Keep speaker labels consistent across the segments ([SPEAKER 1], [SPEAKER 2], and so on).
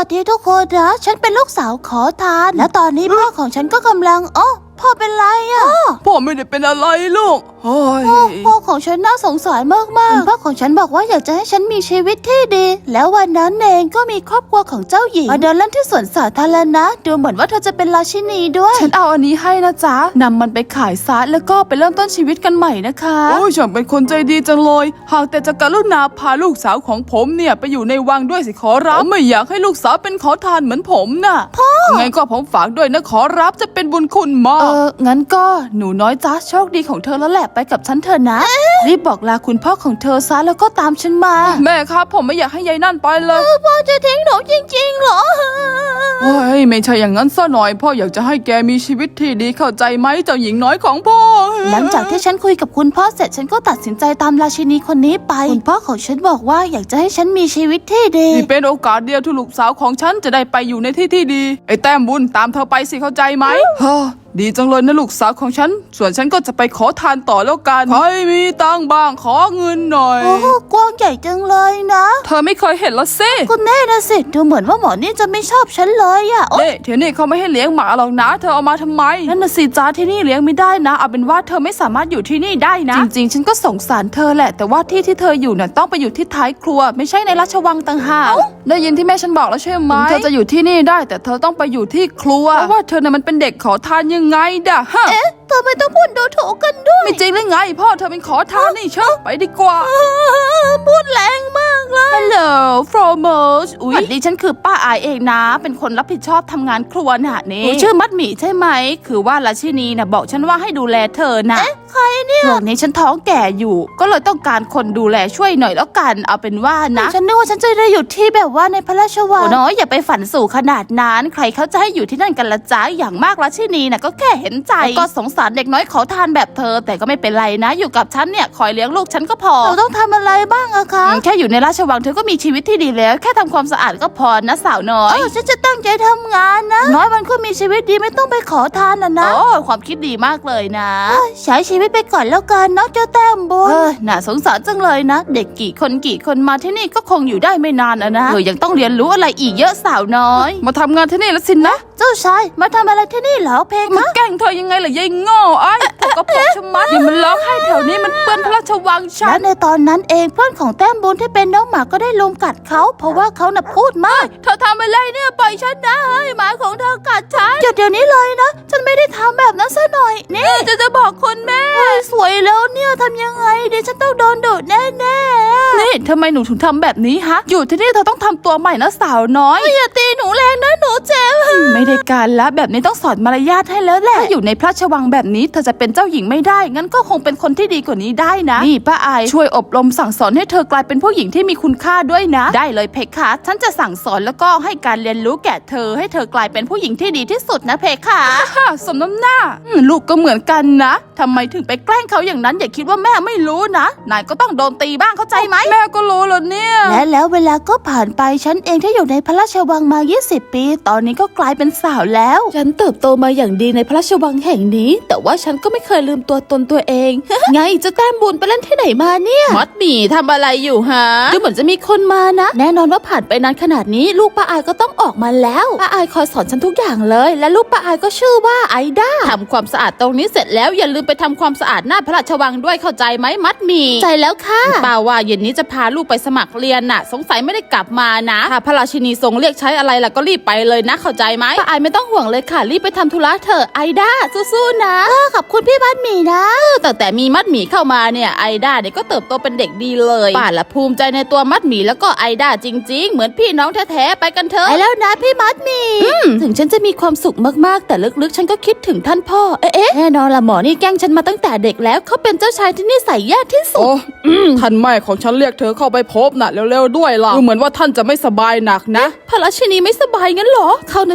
[SPEAKER 1] วัสดีทุกคนนะฉันเป็นลูกสาวขอทานและตอนนี้พ่อของฉันก็กำลังพ่อเป็นไรอ่ะ
[SPEAKER 2] พ่อไม่ได้เป็นอะไรลูก
[SPEAKER 1] พ่อของฉันน่าสงสารมากๆพ่อของฉันบอกว่าอยากจะให้ฉันมีชีวิตที่ดีแล้ววันนั้นเองก็มีครอบครัวของเจ้าหญิงมาเดินเล่นที่สวนสาธารณะดูเหมือนว่าเธอจะเป็นราชินีด้วย
[SPEAKER 3] ฉันเอาอันนี้ให้นะจ๊ะนำมันไปขายซะแล้วก็ไปเริ่มต้นชีวิตกันใหม่นะคะ
[SPEAKER 2] โอ้ยฉันเป็นคนใจดีจังเลยหากแต่จะกรุณาพาลูกสาวของผมเนี่ยไปอยู่ในวังด้วยสิขอรับผมไม่อยากให้ลูกสาวเป็นขอทานเหมือนผมน่ะ
[SPEAKER 1] พ่อ
[SPEAKER 2] ไงก็ผมฝากด้วยนะขอรับจะเป็นบุญคุณมาก
[SPEAKER 3] งั้นก็หนูน้อยจ๊ะโชคดีของเธอแล้วแหละไปกับฉันเถอะนะรีบบอกลาคุณพ่อของเธอซะแล้วก็ตามฉันมา
[SPEAKER 2] แม่ครับผมไม่อยากให้ยายนั่นไปเลย
[SPEAKER 1] พ่อจะทิ้งหนูจริงๆเหรอ
[SPEAKER 2] เฮ้ยไม่ใช่อย่างนั้นซะหน่อยพ่ออยากจะให้แกมีชีวิตที่ดีเข้าใจไหมเจ้าหญิงน้อยของพ่อ
[SPEAKER 1] หลังจากที่ฉันคุยกับคุณพ่อเสร็จฉันก็ตัดสินใจตามราชินีคนนี้ไปคุณพ่อของฉันบอกว่าอยากจะให้ฉันมีชีวิตที่ดี
[SPEAKER 2] นี่เป็นโอกาสเดียวที่ลูกสาวของฉันจะได้ไปอยู่ในที่ที่ดีไอ้แต้มบุญตามเธอไปสิเข้าใจไหมดีจังเลยนะลูกสาวของฉันส่วนฉันก็จะไปขอทานต่อแล้วกันใครมีตังบ้างขอเงินหน่อย
[SPEAKER 1] โอ้กว้างใหญ่จังเลยนะ
[SPEAKER 2] เธอไม่เคยเห็นละสิ
[SPEAKER 1] คุณแน่นะสิดูเหมือนว่าหมอนี่จะไม่ชอบฉันเลยอ่ะ
[SPEAKER 2] เดี๋ยวนี้เขาไม่ให้เลี้ยงหมาหรอกนะเธอเอามาทำไม
[SPEAKER 3] นั่นน่ะสิจ้าที่นี่เลี้ยงไม่ได้นะเอาเป็นว่าเธอไม่สามารถอยู่ที่นี่ได้นะจริงๆฉันก็สงสารเธอแหละแต่ว่าที่เธออยู่น่ะต้องไปอยู่ที่ท้ายครัวไม่ใช่ในราชวังต่างหากได้ยินที่แม่ฉันบอกแล้วใช่ไหมเธอจะอยู่ที่นี่ได้แต่เธอต้องไปอยู่ที่ครัวเพราะว่าเธอน่ะมันเป็นเด็กขอทานยังไงด่ะ
[SPEAKER 1] ทำไมต้องพูดดูถูกกันด้วย
[SPEAKER 2] ไม่จริงหรือไงพ่อเธอเป็นขอทานนี่เชอะไปดีกว่า
[SPEAKER 1] พูดแรงมากเลย
[SPEAKER 3] Hello f r o m o s อุ๊ยดิฉันคือป้าอายเองนะเป็นคนรับผิดชอบทำงานครัวน่ะนี่ชื่อมัดหมี่ใช่ไหมคือว่าราชินีน่ะบอกฉันว่าให้ดูแลเธอนะ
[SPEAKER 1] ใครเนี่ย
[SPEAKER 3] ช่วงนี้ฉันท้องแก่อยู่ก็เลยต้องการคนดูแลช่วยหน่อยแล้วกันเอาเป็นว่านะ
[SPEAKER 1] ฉันนึกว่าฉันจะได้อยู่ที่แบบว่าในพระราชวัง
[SPEAKER 3] น้อยอย่าไปฝันสู่ขนาดนั้นใครเขาจะให้อยู่ที่นั่นกันละจ้าอย่างมากราชินีน่ะก็แค่เห็นใจก็สงสารเด็กน้อยขอทานแบบเธอแต่ก็ไม่เป็นไรนะอยู่กับฉันเนี่ยคอยเลี้ยงลูกฉันก็พอ
[SPEAKER 1] เราต้องทำอะไรบ้างอะคะ
[SPEAKER 3] แค่อยู่ในราชวังเธอก็มีชีวิตที่ดีแล้วแค่ทำความสะอาดก็พอนะสาวน้อย
[SPEAKER 1] ฉันจะตั้งใจทำงานนะน้อยมันก็มีชีวิตดีไม่ต้องไปขอทานนะ
[SPEAKER 3] ความคิดดีมากเลยนะ
[SPEAKER 1] ใช้ชีวิตไปก่อนแล้วกันเนาะเจ้าแต้มบุญ
[SPEAKER 3] น่าสงสารจังเลยนะเด็กกี่คนมาที่นี่ก็คงอยู่ได้ไม่นานนะยังต้องเรียนรู้อะไรอีกเยอะสาวน้อยมาทำงานที่นี่แล้วสินะ
[SPEAKER 1] เจ้าชายมาทำอะไรที่นี่เหรอเพคะ
[SPEAKER 3] มาแกล้งเธอยังไงล่ะยายโง่ไอ้เธอก็พกชะมัดอย่ามันร้องให้แถวนี้มันเปื้อนพระราชวังฉัน
[SPEAKER 1] และในตอนนั้นเองเพื่อนของแต้มบุญที่เป็นน้องหมาก็ได้ลุมกัดเขาเพราะว่าเขาน่ะพูดมาก
[SPEAKER 3] เธอทำอะไรเนี่ยปล่อยฉันนะหมาของเธอกัดฉัน
[SPEAKER 1] หยุดเดี๋ยวนี้เลยนะฉันไม่ได้ทำแบบนั้นซะหน่อยนี่
[SPEAKER 3] จะบอกคุณแม่
[SPEAKER 1] สวยแล้วเนี่ยทำยังไงเดี๋ยวฉันต้องโดนดุแน่
[SPEAKER 3] นี่ทำไมหนูถึงทำแบบนี้ฮะอยู่ที่นี่เธอต้องทำตัวใหม่นะสาวน้อย
[SPEAKER 1] อย่าตีหนูแรงนะหนูเจ็บ
[SPEAKER 3] ไม่ได้การละแบบนี้ต้องสอนมารยาทให้แล้วแหละถ้าอยู่ในพระราชวังแบบนี้เธอจะเป็นเจ้าหญิงไม่ได้งั้นก็คงเป็นคนที่ดีกว่านี้ได้นะนี่ป้าอายช่วยอบรมสั่งสอนให้เธอกลายเป็นผู้หญิงที่มีคุณค่าด้วยนะได้เลยเพคะฉันจะสั่งสอนแล้วก็ให้การเรียนรู้แก่เธอให้เธอกลายเป็นผู้หญิงที่ดีที่สุดนะเพคะสมน้ำหน้าลูกก็เหมือนกันนะทำไมถึงไปแกล้งเขาอย่างนั้นอย่าคิดว่าแม่ไม่รู้นะนายก็ต้องโดนตีบ้างเข้าใจไหมแม่ก็รู้แล้วเนี่ย
[SPEAKER 1] และแล้วเวลาก็ผ่านไปฉันเองที่อยู่ในพระราชวังมา20 ปีตอนนี้ก็กลายเป็นสาวแล้ว
[SPEAKER 3] ฉันเติบโตมาอย่างดีในพระราชวังแห่งนี้แต่ว่าฉันก็ไม่เคยลืมตัวตนตัวเอง ไงจะแต้มบุญไปเล่นที่ไหนมาเนี่ยมัดหมี่ทำอะไรอยู่ฮะดูเหมือนจะมีคนมานะแน่นอนว่าผ่านไปนานขนาดนี้ลูกป้าอายก็ต้องออกมาแล้วป้าอายคอยสอนฉันทุกอย่างเลยและลูกป้าอายก็ชื่อว่าไอด้าทำความสะอาดตรงนี้เสร็จแล้วอย่าลืมไปทำความสะอาดหน้าพระราชวังด้วยเข้าใจไหมมัดหมี่
[SPEAKER 1] ใจแล้วค่ะ
[SPEAKER 3] ป้าว่าเย็นนี้จะพาลูกไปสมัครเรียนน่ะสงสัยไม่ได้กลับมานะถ้าพระราชินีทรงเรียกใช้อะไรล่ะก็รีบไปเลยนะเข้าใจไหมป้าอายไม่ต้องห่วงเลยค่ะรีบไปทำธุระเถอะไอด้าสู้ๆนะ
[SPEAKER 1] ขอบคุณพี่มัดหมี่นะ
[SPEAKER 3] ตั้งแต่มีมัดหมี่เข้ามาเนี่ยไอด้าเนี่ยก็เติบโตเป็นเด็กดีเลยป้าละภูมิใจในตัวมัดหมี่แล้วก็ไอด้าจริงๆเหมือนพี่น้องแท้ๆไปกันเถอะ
[SPEAKER 1] ไปแล้วนะพี่มัดหมี่
[SPEAKER 3] ถึงฉันจะมีความสุขมากๆแต่ลึกๆฉันก็คิดถึงท่านพ่อแน่นอนละหมอนี่แกล้งฉันมาตั้งแต่เด็กแล้วเขาเป็นเจ้าชายที่นิสัยแย่ที่สุด
[SPEAKER 2] ท่านแม่ของฉันเรียกเธอเข้าไปพบน่ะเร็วๆด้วยล่ะเหมือนว่าท่านจะไม่สบายหนักนะ
[SPEAKER 3] พระราชินีไม่สบายงั้นเหรอเขาน่ะเชื่อว่าท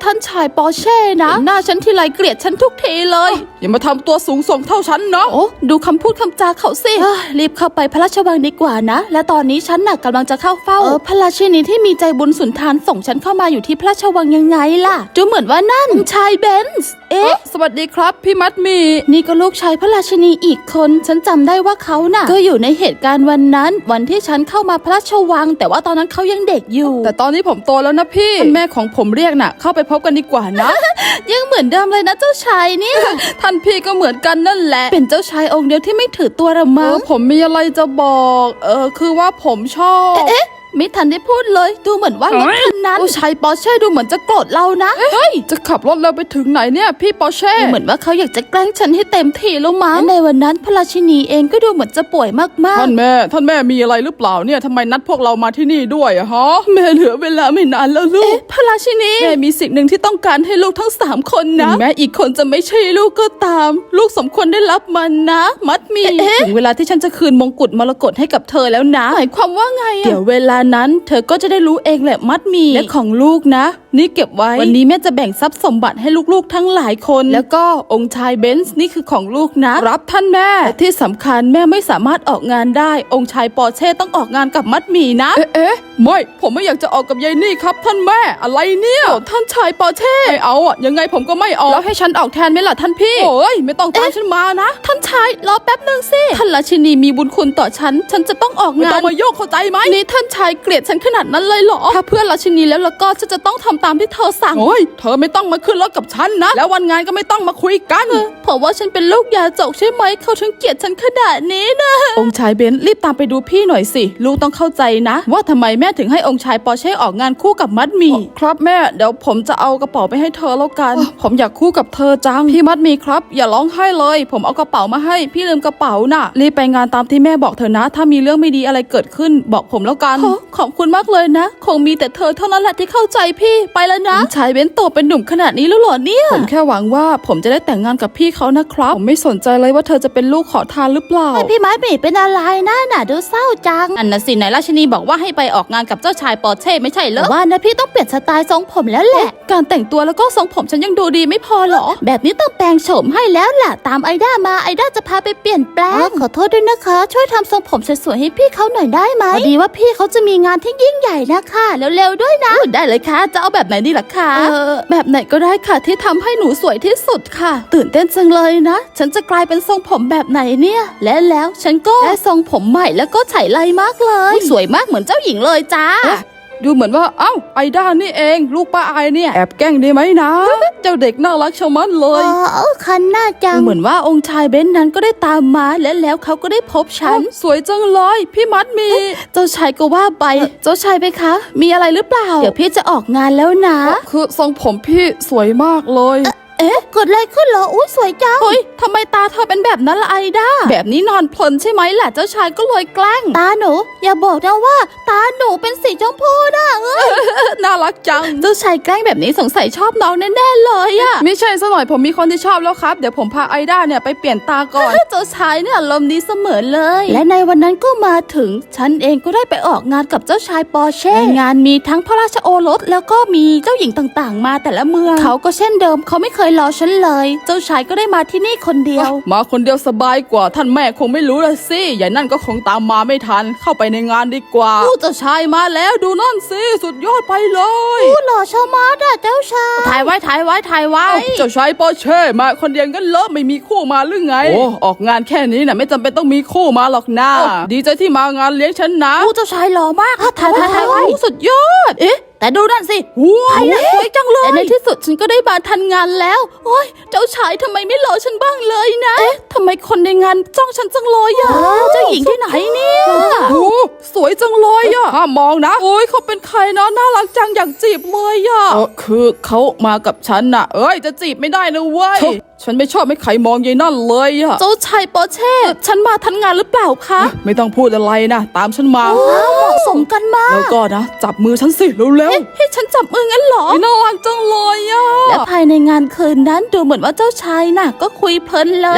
[SPEAKER 3] ท่านชายปอร์เช่นะหน้าฉันทีไรเกลียดฉันทุกทีเลย
[SPEAKER 2] อย่ามาทำตัวสูงส่งเท่าฉันนะ
[SPEAKER 3] โอ้ดูคำพูดคำจาเขาสิรีบเข้าไปพระราชวังดีกว่านะและตอนนี้ฉันน่ะกำลังจะเข้าเฝ้าพระราชินีที่มีใจบุญสุนทานส่งฉันเข้ามาอยู่ที่พระราชวังยังไงล่ะดูเหมือนว่านั่นชายเบนซ์
[SPEAKER 2] สวัสดีครับพี่มัดหมี่
[SPEAKER 3] นี่ก็ลูกชายพระราชินีอีกคนฉันจำได้ว่าเขาน่ะก็อยู่ในเหตุการณ์วันนั้นวันที่ฉันเข้ามาพระราชวังแต่ว่าตอนนั้นเขายังเด็กอยู่
[SPEAKER 2] แต่ตอนนี้ผมโตแล้วนะพี่แม่ของผมเรียกน่ะเข้าไปพบกันดีกว่านะ
[SPEAKER 3] ยังเหมือนเดิมเลยนะเจ้าชายเนี่ย
[SPEAKER 2] ท่านพี่ก็เหมือนกันนั่นแหละ
[SPEAKER 3] เป็นเจ้าชายองค์เดียวที่ไม่ถือตัวละมั้ง
[SPEAKER 2] ผมมีอะไรจะบอกคือว่าผมชอบ
[SPEAKER 3] ไม่ทันได้พูดเลยดูเหมือนว่ารถคันนั้นผู้ชายปอร์เช่ดูเหมือนจะโกรธเรานะ
[SPEAKER 2] เฮ้ยจะขับรถเราไปถึงไหนเนี่ยพี่ปอร์เช่
[SPEAKER 3] เหมือนว่าเขาอยากจะแกล้งฉันให้เต็มที่แล้วมั้งในวันนั้นพระราชินีเองก็ดูเหมือนจะป่วยมากๆ
[SPEAKER 2] ท่านแม่มีอะไรหรือเปล่าเนี่ยทำไมนัดพวกเรามาที่นี่ด้วยอะฮะแม่เหลือเวลาไม่นานแล้วลูก
[SPEAKER 3] พระราชินีแม่มีสิ่งหนึ่งที่ต้องการให้ลูกทั้ง3คนนะแม้อีกคนจะไม่ใช่ลูกก็ตาม ลูกสมควรได้รับมันนะมัดมีถึงเวลาที่ฉันจะคืนมงกุฎมรกตให้กับเธอแล้วนะหมายความว่าไงเดี๋ยวเวลานั้นเธอก็จะได้รู้เองแหละมัดมีและของลูกนะนี่เก็บไว้วันนี้แม่จะแบ่งทรัพย์สมบัติให้ลูกๆทั้งหลายคนแล้วก็องค์ชายเบนซ์นี่คือของลูกนะครับท่านแม่และที่สำคัญแม่ไม่สามารถออกงานได้องค์ชายปอร์เช่ต้องออกงานกับมัดมีนะ
[SPEAKER 2] ไม่ผมไม่อยากจะออกกับยายนี่ครับท่านแม่อะไรเนี่ย
[SPEAKER 3] ท่านชายปอร์เช่
[SPEAKER 2] ไม่เอาอะยังไงผมก็ไม่ออก
[SPEAKER 3] แล้วให้ฉันออกแทนไหมล่ะท่านพี่
[SPEAKER 2] โอ้ยไม่ต้องตามฉันมานะ
[SPEAKER 3] ท่านชายรอแป๊บนึงสิท่านราชินีมีบุญคุณต่อฉันจะต้องออก
[SPEAKER 2] ไม่
[SPEAKER 3] งา
[SPEAKER 2] ต้อน งมาโยกเข้าใจไหม
[SPEAKER 3] นี่ท่านชายเกลียดฉันขนาดนั้นเลยเหรอถ้าเพื่อนราชินีแล้วก็ฉันจะต้องทำตามที่เธอสั่ง
[SPEAKER 2] โอ้ยเธอไม่ต้องมาขึ้นรถกับฉันนะแล้ววันงานก็ไม่ต้องมาคุยกัน
[SPEAKER 3] เพราะว่าฉันเป็นลูกยาจกใช่ไหมเขาถึงเกลียดฉันขนาดนี้นะองค์ชายเบนซ์รีบตามไปดูพี่หน่อยสิลูกต้องเข้าใจนะ ว่าทำไมแม่ถึงให้องค์ชายปอร์เช่ออกงานคู่กับมัดมี
[SPEAKER 2] ครับแม่เดี๋ยวผมจะเอากระเป๋าไปให้เธอแล้วกัน ผมอยากคู่กับเธอจังพี่มัดมีครับอย่าร้องไห้เลย ผมเอากระเป๋ามาให้พี่ลืมกระเป๋าน่ะรีบไปงานตามที่แม่บอกเธอนะ ถ้ามีเรื่องไม่ดีอะไรเกิดขึ้นบอกผมแล้วกัน
[SPEAKER 3] ขอบคุณมากเลยนะคงมีแต่เธอเท่านั้นแหละที่เข้าใจพี่ไปแล้วนะชายเบนซ์โตเป็นหนุ่มขนาดนี้แล้วเหรอเนี่ย
[SPEAKER 2] ผมแค่หวังว่าผมจะได้แต่งงานกับพี่เขานะครับผมไม่สนใจเลยว่าเธอจะเป็นลูกขอทานหรือเปล่า
[SPEAKER 1] พี่ไม้ปีเป็นอะไรน่ะดูเศร้าจัง
[SPEAKER 3] อันน่ะสิไหนราชินีบอกว่าให้ไปออกงานกับเจ้าชายปอร์เช่ไม่ใช่เหร
[SPEAKER 1] แต่
[SPEAKER 3] อ
[SPEAKER 1] ว่านะพี่ต้องเปลี่ยนสไตล์ทรงผมแล้วแหละ
[SPEAKER 3] การแต่งตัวแล้วก็ทรงผมฉันยังดูดีไม่พอเหรอ
[SPEAKER 1] แบบนี้ต้องแปลงโฉมให้แล้วล่ะตามไอด้ามาไอด้าจะพาไปเปลี่ยนแปลงขอโทษด้วยนะคะ ช่วยทำทรงผมสวยๆให้พี่เขาหน่อยได้ไหมพอดีว่าพี่เขาจะมีงานที่ยิ่งใหญ่นะคะเร็วๆด้วยนะ
[SPEAKER 3] ได้เลยค่ะจะเอาแบบไหนดีล่ะคะแบบไหนก็ได้ค่ะที่ทำให้หนูสวยที่สุดค่ะ ตื่นเต้นจังเลยนะ ฉันจะกลายเป็นทรงผมแบบไหนเนี่ยและแล้วฉันก็ได้ทรงผมใหม่แล้วก็ไฉไลมากเลยสวยมากเหมือนเจ้าหญิงเลยจ้า
[SPEAKER 2] ดูเหมือนว่าเอ้าไอด้านี่เองลูกป้าไอเนี่ยแอบแกล้งได้ไหมนะ เจ้าเด็กน่ารักชะมัดเลย
[SPEAKER 1] คันหน้าจัง
[SPEAKER 3] เหมือนว่าองค์ชายเบนซ์นั้นก็ได้ตามมาและแล้วเขาก็ได้พบฉัน
[SPEAKER 2] สวยจังเลยพี่มัดมี
[SPEAKER 3] เจ้าชายก็ว่าไปเจ้าชายไปคะ มีอะไรหรือเปล่า เดี๋ยวพี่จะออกงานแล้วนะ
[SPEAKER 2] คือทรงผมพี่สวยมากเลย
[SPEAKER 1] เกิดอะไรขึ้นเหรออุ้ยสวยจัง
[SPEAKER 3] เฮ้ยทำไมตาเธอเป็นแบบนั้นล่ะไอด้าแบบนี้นอนเพลินใช่ไหมล่ะเจ้าชายก็เลยแกล้ง
[SPEAKER 1] ตาหนูอย่าบอกนะว่า ตาหนูเป็นสีชมพูนะ
[SPEAKER 2] น่ารักจัง
[SPEAKER 3] เจ้าชายแกล้งแบบนี้สงสัยชอบน้องแน่ๆเลยอะ
[SPEAKER 2] ไม่ใช่ซะหน่อยผมมีคนที่ชอบแล้วครับเดี๋ยวผมพาไอด้าเนี่ยไปเปลี่ยนตาก่อน
[SPEAKER 3] เจ้าชายเนี่ยอารมณ์ดีเสมอเลย
[SPEAKER 1] และในวันนั้นก็มาถึงฉันเองก็ได้ไปออกงานกับเจ้าชายปอร์เช่
[SPEAKER 3] ในงานมีทั้งพระราชโอรสแล้วก็มีเจ้าหญิงต่างๆ มาแต่ละเมือง
[SPEAKER 1] เขาก็เช่นเดิมเขาไม่เคยรอฉันเลย เจ้าชายก็ได้มาที่นี่คนเดียว
[SPEAKER 2] มาคนเดียวสบายกว่าท่านแม่คงไม่รู้ละสิยายนั่นก็คงตามมาไม่ทันเข้าไปในงานดีกว่าเจ้าชายมาแล้วดูนั่นสิสุดยอดไปเลย
[SPEAKER 1] ผู้หล่อชะมัดอะเจ้าชาย
[SPEAKER 3] ถ่ายไว้
[SPEAKER 2] เจ้าชายปอร์เช่มาคนเดียวกันเลอะไม่มีคู่มาหรือไงโอ้ออกงานแค่นี้น่ะไม่จำเป็นต้องมีคู่มาหรอกนะดีใจที่มางานเลี้ยงฉันนะ
[SPEAKER 3] ผู้เจ้าชายหล่อมากถ่ายไว้สุดยอดแต่ดูนั่นสิ
[SPEAKER 2] ว้าว
[SPEAKER 3] สวยจังเลยแต่ในที่สุดฉันก็ได้มาทันงานแล้วโอ้ยเจ้าชายทำไมไม่รอฉันบ้างเลยนะทำไมคนในงานจ้องฉันจังเลยอะเจ้าหญิงที่ไหนเนี่ย
[SPEAKER 2] โอ้สวยจังเลยอะห้ามมองนะโอ้ยเขาเป็นใครเนาะน่ารักจังอยากจีบเลยอะคือเขามากับฉันน่ะเอ้ยจะจีบไม่ได้นะเว้ยฉันไม่ชอบให้ใครมองยายนั่นเลยอะ
[SPEAKER 3] เจ้าชายปอร์เช่ฉันมาทันงานหรือเปล่าคะ
[SPEAKER 2] ไม่ต้องพูดอะไรนะตามฉันมา
[SPEAKER 1] เหมาะสมกันมาก
[SPEAKER 2] แล้วก็นะจับมือฉันสิเร็ว
[SPEAKER 3] ให้ฉันจับมืองั้นเหรอ
[SPEAKER 2] ๆน่ารักจังเลยอะ
[SPEAKER 3] และภายในงานคืนนั้นดูเหมือนว่าเจ้าชายน่ะก็คุยเพลินเลยแล้วก็เหมือน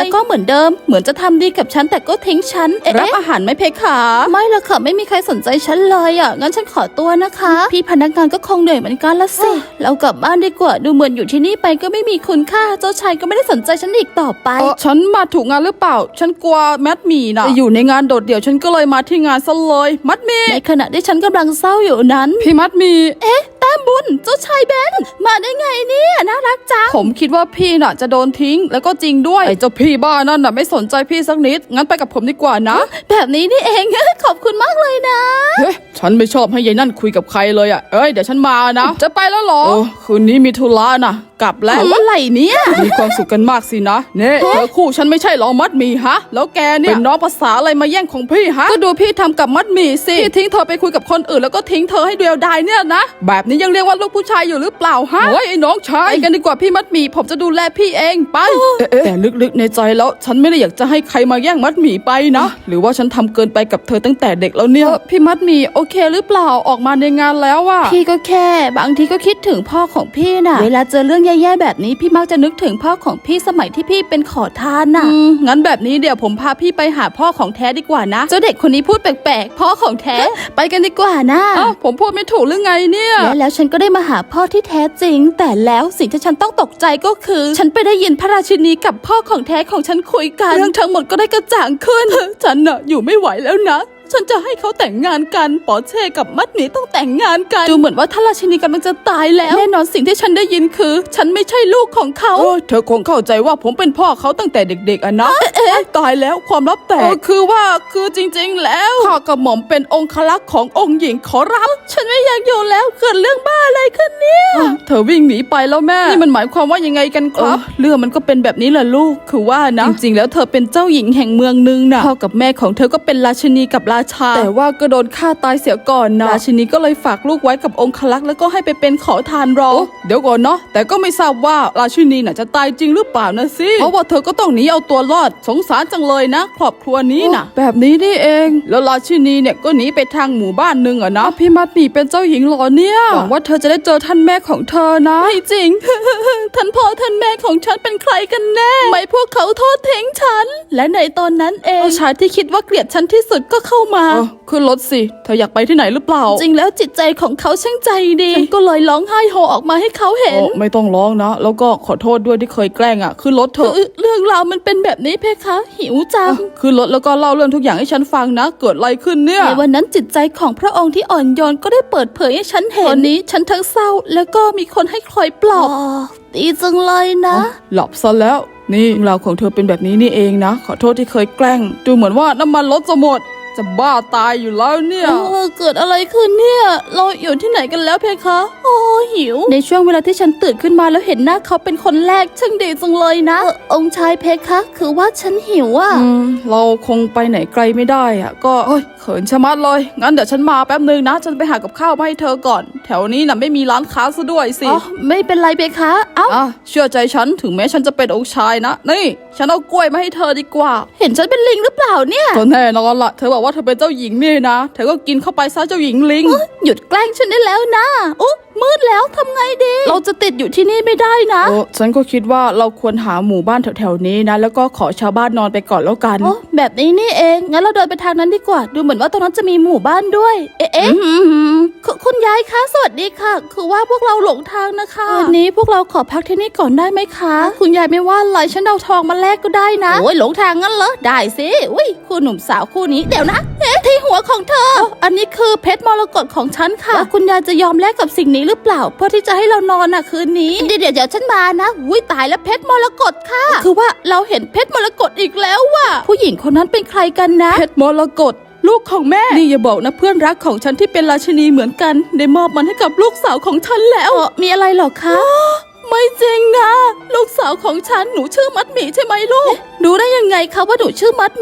[SPEAKER 3] เดิมเหมือนจะทำดีกับฉันแต่ก็ทิ้งฉันรับอาหารไหมเพคะไม่ละค่ะไม่มีใครสนใจฉันเลยอ่ะงั้นฉันขอตัวนะคะพี่พนักงานก็คงเหนื่อยเหมือนกันละสิเรากลับบ้านดีกว่าดูเหมือนอยู่ที่นี่ไปก็ไม่มีคุณค่าเจ้าชายก็ไม่ได้สนใจฉันอีกต่อไป
[SPEAKER 2] ฉันมาถูกงานหรือเปล่าฉันกลัวแมดหมี่นะจะอยู่ในงานโดดเดี่ยวฉันก็เลยมาที่งานซะเลยมัดหมี่
[SPEAKER 3] ในขณะที่ฉันกำลังเศร้าอยู่นั้น
[SPEAKER 2] พี่มัดหมี่
[SPEAKER 3] แต้มบุญเจ้าชายเบนมาได้ไงเนี่ยน่ารักจัง
[SPEAKER 2] ผมคิดว่าพี่น่ะจะโดนทิ้งแล้วก็จริงด้วยไอ้เจ้าพี่บ้านั่นน่ะไม่สนใจพี่สักนิดงั้นไปกับผมดีกว่านะ
[SPEAKER 3] แบบนี้นี่เอง ขอบคุณมากเลยนะ
[SPEAKER 2] เฮ้ยฉันไม่ชอบให้ยายนั่นคุยกับใครเลยอ่ะเดี๋ยวฉันมานะจะไปแล้วเหรอคืนนี้มีธุระนะกลับแล้ว
[SPEAKER 3] อะไรเนี่ย
[SPEAKER 2] มีความสุขกันมากสินะเนี่ยเธอคู่ฉันไม่ใช่หรอมัดหมี่ฮะแล้วแกเนี่ยเป็นน้องภาษาอะไรมาแย่งของพี่ฮะก็ดูพี่ทำกับมัดหมี่สิพี่ทิ้งเธอไปคุยกับคนอื่นแล้วก็ทิ้งเธอให้เดียวดายเนี่ยนะแบบนี้ยังเรียกว่าลูกผู้ชายอยู่หรือเปล่าฮะเฮ้ยไอ้น้องชายไปกันดีกว่าพี่มัดหมี่ผมจะดูแลพี่เองไปแต่ลึกๆในใจแล้วฉันไม่ได้อยากจะให้ใครมาแย่งมัดหมี่ไปนะหรือว่าฉันทำเกินไปกับเธอตั้งแต่เด็กแล้วเนี่ยพี่มัดหมี่โอเคหรือเปล่าออกมาในงานแล้วอะ
[SPEAKER 3] พี่ก็แค่บางทีก็คิดถึงพ่อของพี่น่ะเวลาเจอเรื่องแย่ๆแบบนี้พี่มักจะนึกถึงพ่อของพี่สมัยที่พี่เป็นขอทานน่ะ
[SPEAKER 2] งั้นแบบนี้เดี๋ยวผมพาพี่ไปหาพ่อของแท้ดีกว่านะ
[SPEAKER 3] เจ้าเด็กคนนี้พูดแปลกๆพ่อของแท้ ไปกันดีกว่านะ
[SPEAKER 2] ผมพูดไม่ถูกหรือไงเนี่ย
[SPEAKER 3] แล้วฉันก็ได้มาหาพ่อที่แท้จริงแต่แล้วสิ่งที่ฉันต้องตกใจก็คือฉันไปได้ยินพระราชินีกับพ่อของแท้ของฉันคุยกันเรื่องทั้งหมดก็ได้กระจ่างขึ้น
[SPEAKER 2] ฉันน่ะอยู่ไม่ไหวแล้วนะฉันจะให้เขาแต่งงานกันปอเช่กับมัดหมี่ต้องแต่งงานกัน
[SPEAKER 3] ดูเหมือนว่าท่านราชินีกำลังจะตายแล้วแน่นอนสิ่งที่ฉันได้ยินคือฉันไม่ใช่ลูกของเขา
[SPEAKER 2] เธอคงเข้าใจว่าผมเป็นพ่อเขาตั้งแต่เด็กๆอ่ะนะตายแล้วความลับแตกคือจริงๆแล้วข้ากระหม่อมเป็นองครักษ์ขององค์หญิงขอรับ
[SPEAKER 3] ฉันไม่อยากอยู่แล้วเกิดเรื่องบ้าอะไรขึ้นเนี่ย
[SPEAKER 2] เธอวิ่งหนีไปแล้วแม่นี่มันหมายความว่ายังไงกันครับเรื่องมันก็เป็นแบบนี้แหละลูกคือว่านะจริงๆแล้วเธอเป็นเจ้าหญิงแห่งเมืองนึงนะพ่อกับแม่ของเธอก็เป็นราชินีกับราชาแต่ว่าก็โดนฆ่าตายเสียก่อนนะราชินีก็เลยฝากลูกไว้กับองครักษ์แล้วก็ให้ไปเป็นขอทานรอเดี๋ยวก่อนเนาะแต่ก็ไม่ทราบว่าราชินีน่ะจะตายจริงหรือเปล่านะสิเพราะว่าเธอก็ต้องหนีเอาตัวรอดสงสารจังเลยนะครอบครัวนี้นะแบบนี้นี่เองแล้วราชินีเนี่ยก็หนีไปทางหมู่บ้านนึงอะนะพี่มัดหมี่เป็นเจ้าหญิงหรอเนี่ยหวังว่าเธอจะได้เจอท่านแม่ของเธอนะ
[SPEAKER 3] ไม่จริง ท่านพ่อท่านแม่ของฉันเป็นใครกันแน่ไม่พวกเขาโทษทิ้งฉันและในตอนนั้นเองชายที่คิดว่าเกลียดฉันที่สุดก็เข้ามา
[SPEAKER 2] ขึ้นรถสิเธออยากไปที่ไหนหรือเปล่า
[SPEAKER 3] จริงแล้วจิตใจของเขาช่างใจดีฉันก็เลยร้องไห้โฮออกมาให้เขาเห็น
[SPEAKER 2] ไม่ต้องร้องนะแล้วก็ขอโทษด้วยที่เคยแกล้งอ่ะขึ้นรถเถอะ
[SPEAKER 3] เรื่องราวมันเป็นแบบนี้เพคะหิวจัง
[SPEAKER 2] ขึ้นรถแล้วก็เล่าเรื่องทุกอย่างให้ฉันฟังนะเกิดอะไรขึ้นเนี่ย
[SPEAKER 3] ในวันนั้นจิตใจของพระองค์ที่อ่อนโยนก็ได้เปิดเผยให้ฉันเห็นตอนนี้ฉันทั้งเศร้าแล้วก็มีคนให้คอยปลอบดีจังเลยนะ
[SPEAKER 2] หลับซะแล้วนี่เรื่องราวของเธอเป็นแบบนี้นี่เองนะขอโทษที่เคยแกล้งดูเหมือนว่าน้ำมันรถจะหมดจะบ้าตายอยู่แล้วเนี่ย
[SPEAKER 3] เกิดอะไรขึ้นเนี่ยเราอยู่ที่ไหนกันแล้วเพคะโอ้หิวในช่วงเวลาที่ฉันตื่นขึ้นมาแล้วเห็นหน้าเขาเป็นคนแรกช่างดีจังเลยนะองค์ชายเพคะคือว่าฉันหิวอ่ะ
[SPEAKER 2] เราคงไปไหนไกลไม่ได้อ่ะก็เขินชะมัดเลยงั้นเดี๋ยวฉันมาแป๊บนึงนะฉันไปหากับข้าวมาให้เธอก่อนแถวนี้น่ะไม่มีร้านค้าซะด้วยสิ
[SPEAKER 3] ไม่เป็นไรเพคะ
[SPEAKER 2] เชื่อใจฉันถึงแม้ฉันจะเป็นองค์ชายนะนี่ฉันเอากล้วยมาให้เธอดีกว่า
[SPEAKER 3] เห็นฉันเป็นลิงหรือเปล่าเนี่ย
[SPEAKER 2] ก็แน่นอนละเธอบอกว่าเธอเป็นเจ้าหญิงนี่นะเธอก็กินเข้าไปซะเจ้าหญิงลิง
[SPEAKER 3] หยุดแกล้งฉันได้แล้วนะมืดแล้วทำไงดีเราจะติดอยู่ที่นี่ไม่ได้นะ
[SPEAKER 2] ฉันก็คิดว่าเราควรหาหมู่บ้านแถวๆนี้นะแล้วก็ขอชาวบ้านนอนไปก่อนแล้วกัน
[SPEAKER 3] แบบนี้นี่เองงั้นเราเดินไปทางนั้นดีกว่าดูเหมือนว่าตรงนั้นจะมีหมู่บ้านด้วยคุณยายคะสวัสดีค่ะคือว่าพวกเราหลงทางนะคะวันนี้พวกเราขอพักที่นี่ก่อนได้ไหมคะคุณยายไม่ว่าอะไรฉันเอาทองมาแลกก็ได้นะโอ้ยหลงทางงั้นเหรอได้สิอุ้ยคู่หนุ่มสาวคู่นี้เดี๋ยวนะที่หัวของเธออันนี้คือเพชรมรกตของฉันค่ะแล้วคุณยายจะยอมแลกกับสิ่งนี้หรือเปล่าเพื่อที่จะให้เรานอนคืนนี้เดี๋ยวฉันมานะอุ้ยตายแล้วเพชรมรกตค่ะคือว่าเราเห็นเพชรมรกตอีกแล้วว่ะผู้หญิงคนนั้นเป็นใครกันนะ
[SPEAKER 2] เพชรมรกตลูกของแม่นี่อย่าบอกนะเพื่อนรักของฉันที่เป็นราชินีเหมือนกันได้มอบมันให้กับลูกสาวของฉันแล้ว
[SPEAKER 3] มีอะไรหรอคะ
[SPEAKER 2] ไม่จริงนะลูกสาวของฉันหนูชื่อมัดหมี่ใช่ไหมลูก
[SPEAKER 3] รู้ได้ยังไงคะว่าหนูชื่อมัดหมี่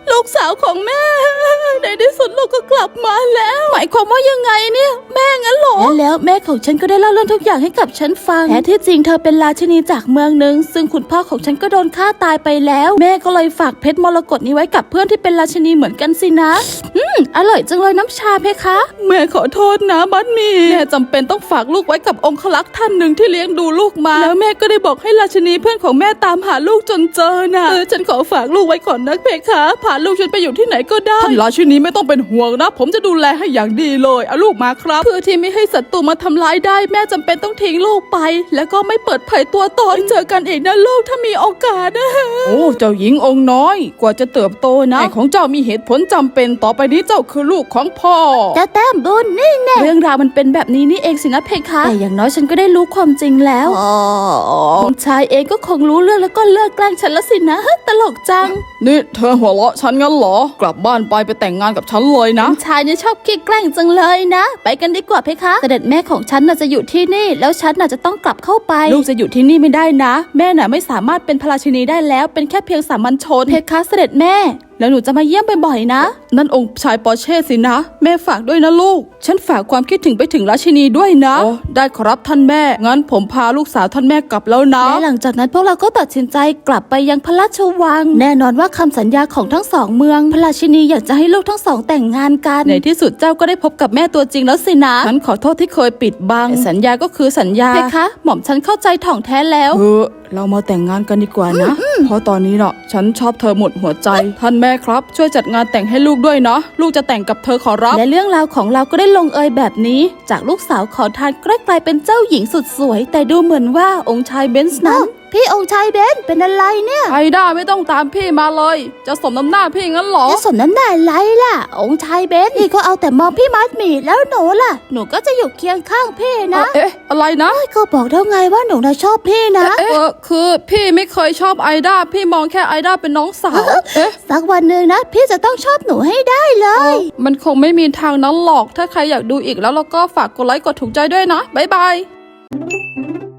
[SPEAKER 3] ลูกสาวของแม่ ในที่สุดลูกก็กลับมาแล้วหมายความว่ายังไงเนี่ยแม่งั้นเหรอและแล้วแม่ของฉันก็ได้เล่าเรื่องทุกอย่างให้กับฉันฟังแท้ที่จริงเธอเป็นราชินีจากเมืองหนึ่งซึ่งคุณพ่อของฉันก็โดนฆ่าตายไปแล้วแม่ก็เลยฝากเพชรมรกตนี้ไว้กับเพื่อนที่เป็นราชินีเหมือนกันสินะอร่อยจังเลยน้ำชาเพคะแม่ขอโทษนะมัดหมี่แม่จำเป็นต้องฝากลูกไว้กับองครักษ์ท่านหนึ่งที่เลี้ยงดูลูกมาแล้วแม่ก็ได้บอกให้ราชินีเพื่อนของแม่ตามหาลูกจนเจอนะฉันขอฝากลูกไว้ก่อนนะเพคะพาลูกฉันไปอยู่ที่ไหนก็ได้
[SPEAKER 2] ท่านราชินีไม่ต้องเป็นห่วงนะผมจะดูแลให้อย่างดีเลยเอาลูกมาครับ
[SPEAKER 3] เพื่อที่ไม่ให้ศัตรูมาทำร้ายได้แม่จำเป็นต้องทิ้งลูกไป แล้วก็ไม่เปิดเผยตัวตนเจอกันอีกนะลูกถ้ามีโอกาสนะ
[SPEAKER 2] โอ้เจ้าหญิงองค์น้อยกว่าจะเติบโตนะแม่ของเจ้ามีเหตุผลจำเป็นต่อไปนี้เจ้าคือลูกของพ่อ
[SPEAKER 1] เจ้าแต้มบุญนี่แน่
[SPEAKER 3] เรื่องราวมันเป็นแบบนี้นี่เองสินะเพคะแต่อย่างน้อยฉันก็ได้รู้ความจริงแล้วองค์ชายเองก็คงรู้เรื่องแล้วก็เลิกแกล้งฉันแล้วสินะตลกจัง
[SPEAKER 2] นี่เธอหัวเราะฉันงั้นเหรอกลับบ้านไปแต่งงานกับฉันเลยนะ
[SPEAKER 3] ชายเนี่ยชอบขี้แกล้งจังเลยนะ ไปกันดีกว่าเพคะเสด็จแม่ของฉันน่ะจะอยู่ที่นี่แล้วฉันน่ะจะต้องกลับเข้าไปลูกจะอยู่ที่นี่ไม่ได้นะ แม่น่ะไม่สามารถเป็นพระราชินีได้แล้วเป็นแค่เพียงสามัญชนเพคะเสด็จแม่แล้วหนูจะมาเยี่ยมบ่อยๆนะนั่นองค์ชายปอร์เช่สินะแม่ฝากด้วยนะลูกฉันฝากความคิดถึงไปถึงราชินีด้วยนะโอ้ได้ครับท่านแม่งั้นผมพาลูกสาวท่านแม่กลับแล้วนะและหลังจากนั้นพวกเราก็ตัดสินใจกลับไปยังพระราชวังแน่นอนว่าคำสัญญาของทั้งสองเมืองพระราชินีอยากจะให้ลูกทั้งสองแต่งงานกันในที่สุดเจ้าก็ได้พบกับแม่ตัวจริงแล้วสินะฉันขอโทษที่เคยปิดบังแต่สัญญาก็คือสัญญาเพคะหม่อมฉันเข้าใจถ่องแท้แล้วเรามาแต่งงานกันดีกว่านะ เพราะตอนนี้เนาะฉันชอบเธอหมดหัวใจ ท่านแม่ครับช่วยจัดงานแต่งให้ลูกด้วยนะลูกจะแต่งกับเธอขอรับและเรื่องราวของเราก็ได้ลงเอยแบบนี้จากลูกสาวขอทานก็กลายเป็นเจ้าหญิงสุดสวยแต่ดูเหมือนว่าองค์ชายเบนซ์นั้น
[SPEAKER 1] พี่องค์ชายเบนเป็นอะไรเนี่ย
[SPEAKER 2] ไอด้าไม่ต้องตามพี่มาเลย จะสมน้ำหน้าพี่งั้นเหรอ
[SPEAKER 1] จะสมน้ำหน้าอะไรล่ะ องค์ชายเบนพี่ก็เอาแต่มองพี่มัดหมี่แล้วหนูล่ะหนูก็จะอยู่เคียงข้างพี่นะ
[SPEAKER 2] เอ๊ะอะไรนะ
[SPEAKER 1] ก็บอกแล้วไงว่าหนูน่ะชอบพี่นะ
[SPEAKER 2] คือพี่ไม่เคยชอบไอด้าพี่มองแค่ไอด้าเป็นน้องสาวเอ๊ะ
[SPEAKER 1] สักวันหนึ่งนะพี่จะต้องชอบหนูให้ได้เลย
[SPEAKER 2] มันคงไม่มีทางนั้นหรอกถ้าใครอยากดูอีกแล้วก็ฝากกดไลค์กดถูกใจด้วยนะบ๊ายบาย